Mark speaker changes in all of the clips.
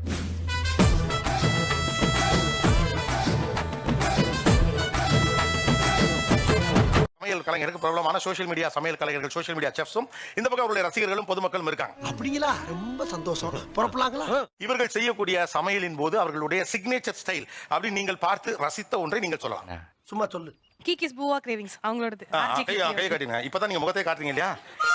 Speaker 1: சமையல் கலைஞருக்கு பிரபலமான சோஷியல் மீடியா சமையல் கலைஞர்கள் சோஷியல் மீடியா செஃப்ஸும் இந்த பக்கம் அவருடைய ரசிகர்களும் பொதுமக்களும் இருக்காங்க.
Speaker 2: அப்படிங்களா? ரொம்ப சந்தோஷம். புறப்படலாங்களா?
Speaker 1: இவர்கள் செய்யக்கூடிய சமையலின் போது அவர்களுடைய சிக்னேச்சர் ஸ்டைல் அப்படி நீங்கள் பார்த்து ரசித்த ஒன்றை நீங்கள் சொல்லலாம்.
Speaker 2: சும்மா சொல்லு.
Speaker 3: கிக்கிஸ் பூவா கிரேவிங்ஸ் அவங்களோடது.
Speaker 1: கை காட்டுங்க. இப்பதான் நீங்க முகத்தை காட்டுறீங்க இல்லையா?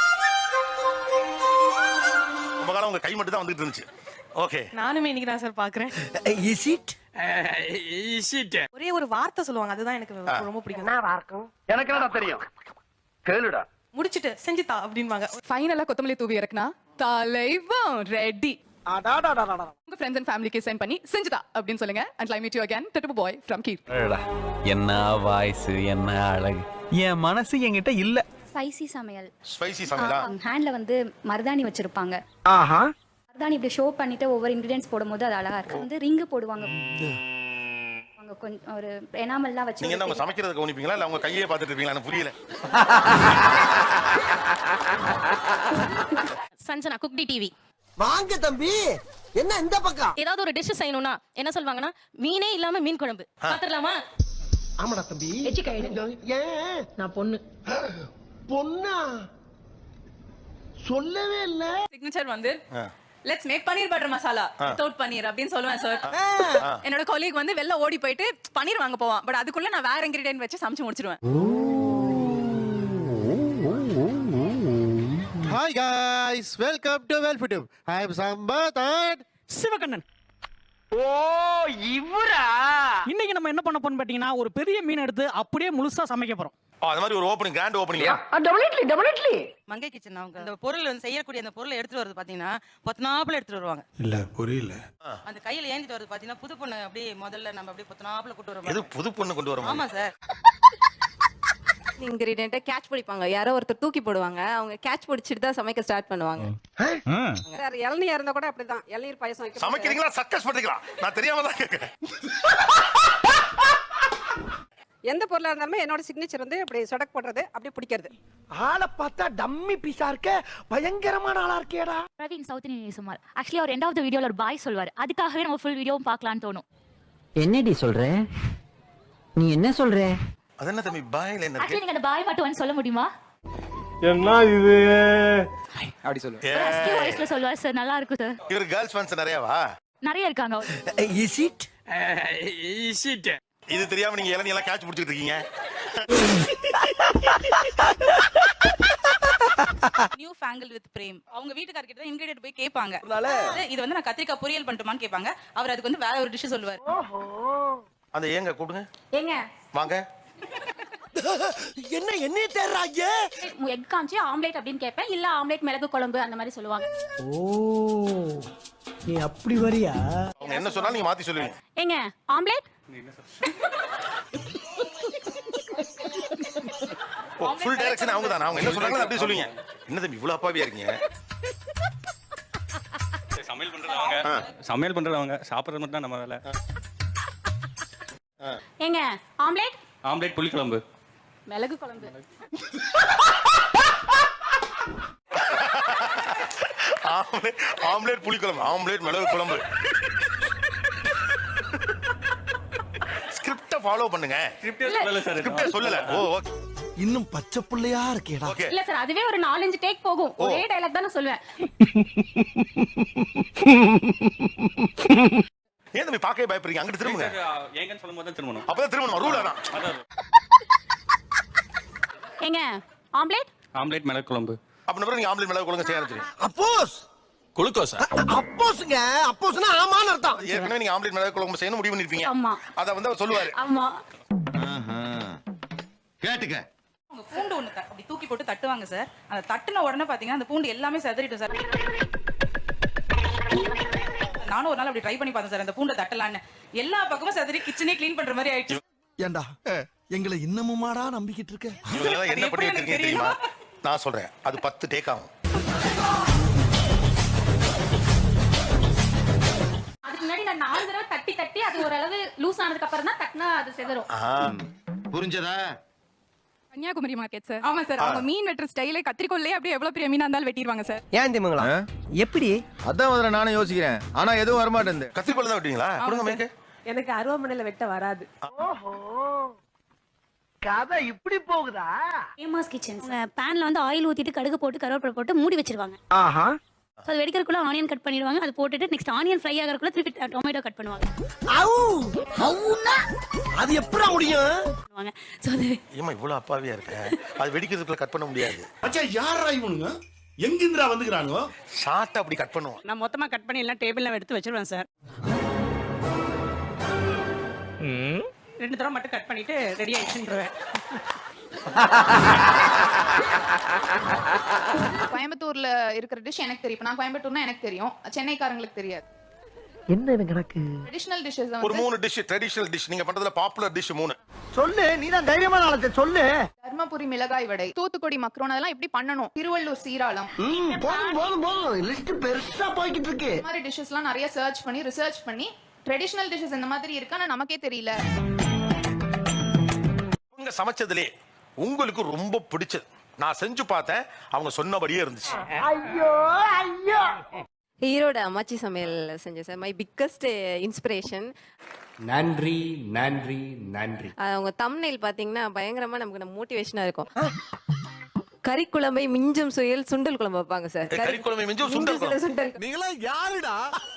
Speaker 1: ரொம்ப காலம் உங்க கை மட்டும் தான் வந்துட்டு இருந்துச்சு. ஓகே.
Speaker 3: நானுமே இன்னைக்கு தான் சார் பாக்குறேன்.
Speaker 2: Is it?
Speaker 3: ஒரே ஒரு வார்த்தை சொல்லுவாங்க, அதுதான் எனக்கு ரொம்ப பிடிக்கும்.
Speaker 4: எனக்கு என்னடா தெரியும், கேளுடா.
Speaker 3: முடிச்சிட்டு செஞ்சுதா அப்படின்வாங்க.
Speaker 5: ஃபைனலா கொத்தமல்லி தூவி இறக்குனா தலைவன் ரெடி. உங்க ஃப்ரெண்ட்ஸ் அண்ட் ஃபேமிலிக்கு சென்ட் பண்ணி செஞ்சுதா அப்படின்னு சொல்லுங்க. And I meet you again டட்டு பாய் ஃப்ரம் கீர்.
Speaker 6: என்ன வாய்ஸ், என்ன அழகு. என் மனசு என்கிட்ட இல்ல.
Speaker 7: ஸ்பைசி சமையல்.
Speaker 1: ஸ்பைசி சமையலா?
Speaker 7: ஹேண்ட்ல வந்து மருதாணி வச்சிருப்பாங்க.
Speaker 4: ஆஹா.
Speaker 7: மருதாணி இப்படி ஷோ பண்ணிட்டு ஒவ்வொரு இன்கிரிடியன்ஸ் போடும்போது அது அழகா இருக்கு. வந்து ரிங்கு போடுவாங்க. அவங்க கொஞ்சம் ஒரு எனாமல்லாம் வச்சு.
Speaker 1: நீங்க என்ன உங்க சமைக்கிறத கவனிப்பீங்களா இல்ல உங்க கையே பார்த்துட்டு இருப்பீங்களா? எனக்கு புரியல.
Speaker 8: சஞ்சனா குக்டி டிவி.
Speaker 2: வாங்க தம்பி. என்ன இந்த பக்கம்?
Speaker 8: ஏதாவது ஒரு டிஷ் செய்யணும்னா என்ன சொல்வாங்கன்னா, மீனே இல்லாம மீன் குழம்பு. பாத்துறலாமா?
Speaker 2: ஆமாடா தம்பி. ஏன் நான் பொண்ணு? பொண்ணா? சொல்லவே இல்ல.
Speaker 5: சிக்னேச்சர் வந்து let's make paneer butter masala without paneer அப்படின்னு சொல்லுவேன் சார். என்னோட கொலீக் வந்து வெளில ஓடி போயிட்டு பன்னீர் வாங்க போவான். பட் அதுக்குள்ள நான் வேற இன்கிரிடியன்ட் வச்சு சமைச்சு முடிச்சிடுவேன்.
Speaker 2: Hi guys, welcome to Welfitube. I am Sambath and
Speaker 9: Sivakannan.
Speaker 4: ஓ இவரா?
Speaker 9: இன்னைக்கு நம்ம என்ன பண்ண போறோம் பாத்தீங்கன்னா, ஒரு பெரிய மீன் எடுத்து அப்படியே முழுசா சமைக்க போறோம்.
Speaker 1: அது மாதிரி ஒரு opening grand opening.
Speaker 4: Definitely.
Speaker 3: Mangai kitchen அவங்க அந்த பொருள் வந்து செய்யக்கூடிய அந்த பொருளை எடுத்துட்டு வரது பாத்தீங்கன்னா பொத்தனாப்புல எடுத்துட்டு வருவாங்க.
Speaker 2: இல்ல புரியல.
Speaker 3: அந்த கையில ஏந்திட்டு வரது பாத்தீங்கன்னா புது பொண்ணு அப்படியே முதல்ல நம்ம அப்படியே பொத்தனாப்புல கூட்டு வருவாங்க.
Speaker 1: எது புது பொண்ணு கொண்டு வரோம்?
Speaker 3: ஆமா சார். இன்கிரிடியன்ட் கேட்ச் பிடிப்பாங்க. யாரோ ஒருத்தர் தூக்கி போடுவாங்க. அவங்க கேட்ச் பிடிச்சிட்டு தான் சமைக்க ஸ்டார்ட் பண்ணுவாங்க. சார் இளநீர் இருந்தா கூட அப்படிதான். இளநீர் பாயசம் வைக்க
Speaker 1: சமைக்கிறீங்களா சர்க்கஸ் பண்றீங்களா? நான் தெரியாம தான் கேக்குறேன்.
Speaker 3: எந்த பொருளா இருந்தாலுமே என்னோட சிக்னேச்சர் வந்து அப்படி சொடக் போடுறது, அப்படியே பிடிக்கிறது.
Speaker 2: ஆளை பார்த்தா டம்மி பீஸா இருக்க, பயங்கரமான ஆளா இருக்கேடா.
Speaker 7: பிரவீன் சவுத் இந்தியன் சுமார். ஆக்சுவலி அவர் எண்ட் ஆஃப் தி வீடியோல ஒரு பாய் சொல்வார். அதுக்காகவே நம்ம ஃபுல் வீடியோவும் பார்க்கலாம்னு தோணும்.
Speaker 4: என்னடி சொல்ற? நீ என்ன சொல்ற?
Speaker 1: அது என்ன தம்பி பாய்ல என்ன இருக்கு?
Speaker 7: நீங்க அந்த பாய் மட்டும் வந்து சொல்ல முடியுமா?
Speaker 4: என்ன இது? அப்படி சொல்லு.
Speaker 7: ரெஸ்கியூ வாய்ஸ்ல சொல்வார் சார். நல்லா இருக்கு சார்.
Speaker 1: இவர் கேர்ள்ஸ் ஃபேன்ஸ் நிறையவா?
Speaker 7: நிறைய இருக்காங்க.
Speaker 2: Is it?
Speaker 1: இது தெரியாம நீங்க இளநீ எல்லாம் கேட்ச் பிடிச்சிட்டு இருக்கீங்க.
Speaker 3: நியூ ஃபேங்கிள் வித் பிரேம். அவங்க வீட்டுக்கார கிட்ட இன்கிரிடியன்ட் போய் கேட்பாங்க. இது வந்து நான் கத்திரிக்காய் பொரியல் பண்ணட்டுமான்னு கேட்பாங்க. அவர் அதுக்கு வந்து வேற ஒரு டிஷ் சொல்லுவார்.
Speaker 1: அந்த ஏங்க கூடுங்க.
Speaker 7: ஏங்க
Speaker 1: வாங்க.
Speaker 2: என்ன என்னைய தேடுறாங்க?
Speaker 7: எக் காஞ்சி ஆம்லெட் அப்படின்னு கேட்பேன். இல்ல ஆம்லெட் மிளகு குழம்பு அந்த மாதிரி சொல்லுவாங்க.
Speaker 9: ஓ நீ அப்படி வரியா?
Speaker 1: அவங்க என்ன சொன்னாலும் நீங்க மாத்தி சொல்லுவீங்க.
Speaker 7: ஏங்க ஆம்லெட்?
Speaker 1: ஃபுல் டைரக்ஷன் அவங்க தான். அவங்க என்ன சொல்றாங்களோ அப்படியே சொல்லுவீங்க. என்ன தம்பி இவ்வளவு அப்பாவியா இருக்கீங்க?
Speaker 6: சமையல் பண்றது அவங்க, சமையல் பண்றது அவங்க, சாப்பிடுறது மட்டும் தான் நம்ம வேலை.
Speaker 7: ஏங்க ஆம்லெட்?
Speaker 6: ஆம்லெட் புளிக்குழம்பு.
Speaker 7: மிளகு குழம்பு.
Speaker 1: ஆம்லெட் புளிக்குழம்பு, ஆம்லெட் மிளகு குழம்பு. ஸ்கிரிப்ட ஃபாலோ பண்ணுங்க. ஸ்கிரிப்டே சொல்லல. Oh okay.
Speaker 2: இன்னும் பச்சை புள்ளையா இருக்கேடா.
Speaker 1: ஓகே.
Speaker 7: இல்ல சார், அதுவே ஒரு 4-5 டேக் போகும். ஒரே டயலாக் தான் நான் சொல்வேன்.
Speaker 1: ஏன் தம்பி பாக்கவே பயப்படுறீங்க? அங்கிட்டு திரும்புங்க.
Speaker 6: ஏங்கன்னு சொல்லும்போது தான் திரும்பணும்.
Speaker 1: அப்பதான் திரும்பணும். ரூல் அதான்.
Speaker 7: ஏங்க ஆம்லெட்?
Speaker 6: ஆம்லெட் மிளகு குழம்பு.
Speaker 1: அப்ப நீங்க ஆம்லெட் மிளகு குழம்பு செய்ய ஆரம்பிச்சீங்க.
Speaker 2: அப்போஸ்
Speaker 6: குளுக்கோஸ்.
Speaker 2: அப்போஸ்ங்க. அப்போஸ்னா ஆமான்னு அர்த்தம்.
Speaker 1: ஏற்கனவே நீங்க ஆம்லெட் மிளகு குழம்பு செய்யணும் முடிவு பண்ணிருப்பீங்க.
Speaker 7: ஆமா.
Speaker 1: அத வந்து அவர் சொல்லுவாரு.
Speaker 7: ஆமா.
Speaker 4: கேட்டுக்க.
Speaker 3: அவங்க பூண்டு ஒண்ணு அப்படி தூக்கி போட்டு தட்டுவாங்க சார். அந்த தட்டுன உடனே பாத்தீங்கன்னா அந்த பூண்டு எல்லாமே செதறிடும் சார். நானும் ஒரு நாள் அப்படி ட்ரை பண்ணி பார்த்தேன் சார். அந்த பூண்டை தட்டலான்னு எல்லா பக்கமும் செதறி கிச்சனே க்ளீன் பண்ற மாதிரி ஆயிடுச்சு.
Speaker 2: ஏண்டா எங்களை இன்னமுமாடா நம்பிக்கிட்டு இருக்க?
Speaker 1: இவங்க என்ன பண்ணிட்டு இருக்கீங்க தெரியுமா? நான் சொல்றேன். அது 10 டேக் ஆகும்.
Speaker 7: அதுக்கு முன்னாடி நான் 4 தடவை தட்டி அது ஓரளவு லூஸ் ஆனதுக்கு அப்புறம் தான் தட்டினா அது செதறும்.
Speaker 4: புரிஞ்சதா?
Speaker 5: Kanyakumari market sir. ஆமா சார், அவங்க மீன் வெட்டுற ஸ்டைலே கத்திரிக்கோல்லே அப்படியே எவ்வளவு பெரிய மீனா இருந்தாலும் வெட்டிடுவாங்க சார்.
Speaker 4: ஏன் திமுங்களா எப்படி
Speaker 10: அதான் முதல்ல நானும் யோசிக்கிறேன், ஆனா எதுவும் வரமாட்டேன்.
Speaker 1: கத்திரிக்கோல் தான் வெட்டுவீங்களா? கொடுங்க மைக்கு.
Speaker 5: எனக்கு அருவாமனையில வெட்ட வராது.
Speaker 4: கதை இப்படி போகுதா?
Speaker 7: ஃபேமஸ் கிச்சன் பேன்ல வந்து ஆயில் ஊத்திட்டு கடுகு போட்டு கருவேப்பிலை போட்டு மூடி வச்சிருவாங்க.
Speaker 4: ஆஹா.
Speaker 7: அது வெடிக்கிறதுக்குள்ள ஆனியன் கட் பண்ணிடுவாங்க. அது போட்டுட்டு நெக்ஸ்ட் ஆனியன் ஃப்ரை ஆகறதுக்குள்ள திருப்பி டொமேட்டோ கட் பண்ணுவாங்க.
Speaker 4: அது எப்படி முடியும்?
Speaker 7: சோ அது
Speaker 1: ஏமா இவ்வளவு அப்பாவியா இருக்க? அது வெடிக்கிறதுக்குள்ள கட் பண்ண முடியாது.
Speaker 10: அச்சா யாரா இவனுங்க? எங்கிந்திரா வந்துக்கறானுங்க?
Speaker 1: ஷார்ட் அப்படி கட் பண்ணுவோம்.
Speaker 9: நான் மொத்தமா கட் பண்ணி எல்லாம் டேபிள்ல எடுத்து வச்சிருவேன் சார். 2 தடவை மட்டும் கட் பண்ணிட்டு ரெடி ஆயிடுச்சுன்றேன்.
Speaker 5: கோயம்புத்தூர்ல இருக்கிற டிஷ் எனக்கு தெரியும். நான் கோயம்புத்தூர்னா எனக்கு தெரியும், சென்னைக்காரங்களுக்கு தெரியாது.
Speaker 4: என்ன இது கணக்கு?
Speaker 5: ட்ரெடிஷனல் டிஷ்ஷஸ்
Speaker 1: ஒரு 3 டிஷ், ட்ரெடிஷனல் டிஷ் நீங்க பண்றதுல பாப்புலர் டிஷ் 3
Speaker 4: சொல்லு, நீ தான் தைரியமான ஆளு, சொல்லு.
Speaker 5: தர்மபுரி மிளகாய் வடை, தூத்துக்குடி மக்ரோன், அதெல்லாம் எப்படி பண்ணணும், திருவள்ளூர் சீராளம்,
Speaker 4: போதும் லிஸ்ட் பெருசா போய்கிட்டு இருக்கு.
Speaker 5: இந்த மாதிரி டிஷ்ஷஸ்லாம் நிறைய சர்ச் பண்ணி ரிசர்ச் பண்ணி ட்ரெடிஷனல் டிஷ்ஷஸ் இந்த மாதிரி இருக்கு, ஆனா நமக்கே தெரியல.
Speaker 1: உங்க சமைச்சதுலே உங்களுக்கு ரொம்ப பிடிச்சது, நான் செஞ்சு பார்த்தேன், அவங்க சொன்னபடியே இருந்துச்சு.
Speaker 4: ஐயோ ஐயோ.
Speaker 5: ஈரோடு அம்மாச்சி சமையல் செஞ்சேன் சார். My biggest inspiration.
Speaker 10: நன்றி நன்றி நன்றி.
Speaker 5: அவங்க தம்ப்நெயில் பாத்தீங்கன்னா பயங்கரமா நமக்கு மோட்டிவேஷனா இருக்கும். கறிக்குழம்பை மிஞ்சும் சுயல் சுண்டல் குழம்பு வைப்பாங்க சார்.
Speaker 1: கறிக்குழம்பை மிஞ்சும் சுண்டல் குழம்பு.
Speaker 5: சுண்டல்
Speaker 10: நீங்களா யாருடா?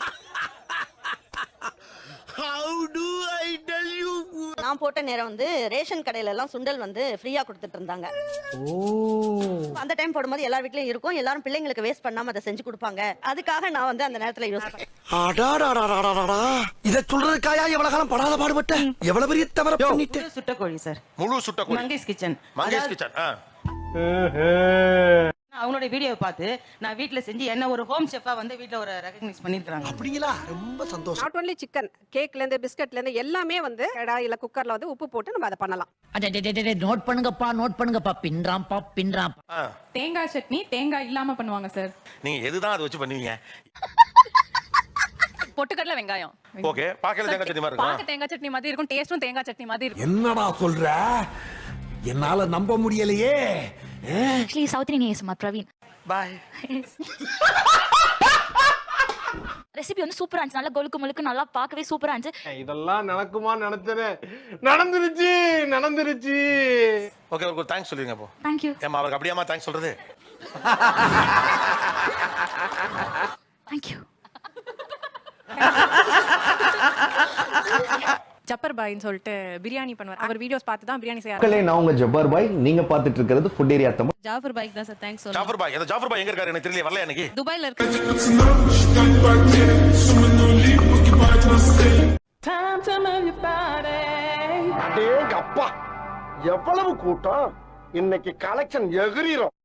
Speaker 10: How do I tell you?
Speaker 8: நான் போட்ட நேரம் வந்து ரேஷன் கடையில எல்லாம் சுண்டல் வந்து ஃப்ரீயா கொடுத்துட்டு இருந்தாங்க. அந்த டைம் போடும்போது எல்லார் வீட்லயும் இருக்கும், எல்லாரும் பிள்ளைங்களுக்கு வேஸ்ட் பண்ணாம அதை செஞ்சு கொடுப்பாங்க. அதுக்காக நான் வந்து அந்த நேரத்துல யோசிப்பேன்.
Speaker 4: இத சொல்றதுக்காயா எவ்வளவு காலம் படாத பாடுபட்ட, எவ்வளவு பெரிய தவறு பண்ணிட்டு.
Speaker 8: சுட்டக்கோழி சார்,
Speaker 1: முழு சுட்டக்கோழி.
Speaker 8: மங்கேஷ் கிச்சன்.
Speaker 1: மங்கேஷ் கிச்சன்.
Speaker 8: அவங்களோட வீடியோவை பார்த்து நான் வீட்ல செஞ்சு என்ன ஒரு ஹோம் ஷெஃபா வந்து வீட்ல ஒரு ரெகக்னைஸ் பண்ணிருக்காங்க.
Speaker 4: அப்படிங்களா? ரொம்ப சந்தோஷம்.
Speaker 5: நாட் ஒன்லி சிக்கன், கேக்ல இருந்து பிஸ்கட்ல இருந்து எல்லாமே வந்து கடாயில குக்கர்ல வந்து உப்பு போட்டு நம்ம அதை பண்ணலாம்.
Speaker 4: நோட் பண்ணுங்கப்பா பின்றாம்பா பின்றாம்.
Speaker 5: தேங்காய் சட்னி தேங்காய் இல்லாம பண்ணுவாங்க சார்.
Speaker 1: நீங்க எதுதான் அதை வச்சு பண்ணுவீங்க?
Speaker 5: பொட்டுக்கடலை வெங்காயம்.
Speaker 1: ஓகே, பாக்கல தேங்காய் சட்னி மாதிரி இருக்கும்.
Speaker 5: தேங்காய் சட்னி மாதிரி இருக்கும், டேஸ்டும் தேங்காய் சட்னி மாதிரி இருக்கும்.
Speaker 10: என்னடா சொல்ற? என்னால நம்ப முடியலையே.
Speaker 7: Actually south Indian ASMR Praveen.
Speaker 1: By.
Speaker 7: Recipe வந்து சூப்பரா இருந்துச்சு, நல்லா கொழுக்கு முழுக்கு நல்லா பார்க்கவே சூப்பரா இருந்துச்சு.
Speaker 10: இதெல்லாம் நடக்குமா நினைச்சனே, நடந்துருச்சு.
Speaker 1: ஓகே, ஒரு தேங்க்ஸ் சொல்லுங்க அப்போ.
Speaker 7: Thank you.
Speaker 1: ஏமா அவருக்கு அப்படியாமா தேங்க்ஸ் சொல்றது?
Speaker 7: Thank you.
Speaker 5: ஜப்பர் பாய்னு சொல்லிட்டு பிரியாணி பண்ணுவார். அவர் வீடியோஸ் பார்த்து தான் பிரியாணி செய்ய
Speaker 10: மக்களே, நான் உங்க ஜப்பார் பாய், நீங்க பார்த்துட்டு இருக்கிறது ஃபுட் ஏரியா தமிழ்.
Speaker 5: ஜாஃபர் பாய்க்கு தான் சார் தேங்க்ஸ் சொல்லுங்க.
Speaker 1: ஜாஃபர் பாய், அந்த ஜாஃபர் பாய் எங்க இருக்காரு எனக்கு தெரியல, வரல எனக்கு.
Speaker 5: துபாய்ல இருக்கு.
Speaker 10: அடேங்கப்பா, எவ்வளவு கூட்டம் இன்னைக்கு, கலெக்ஷன் எகிரிரும்.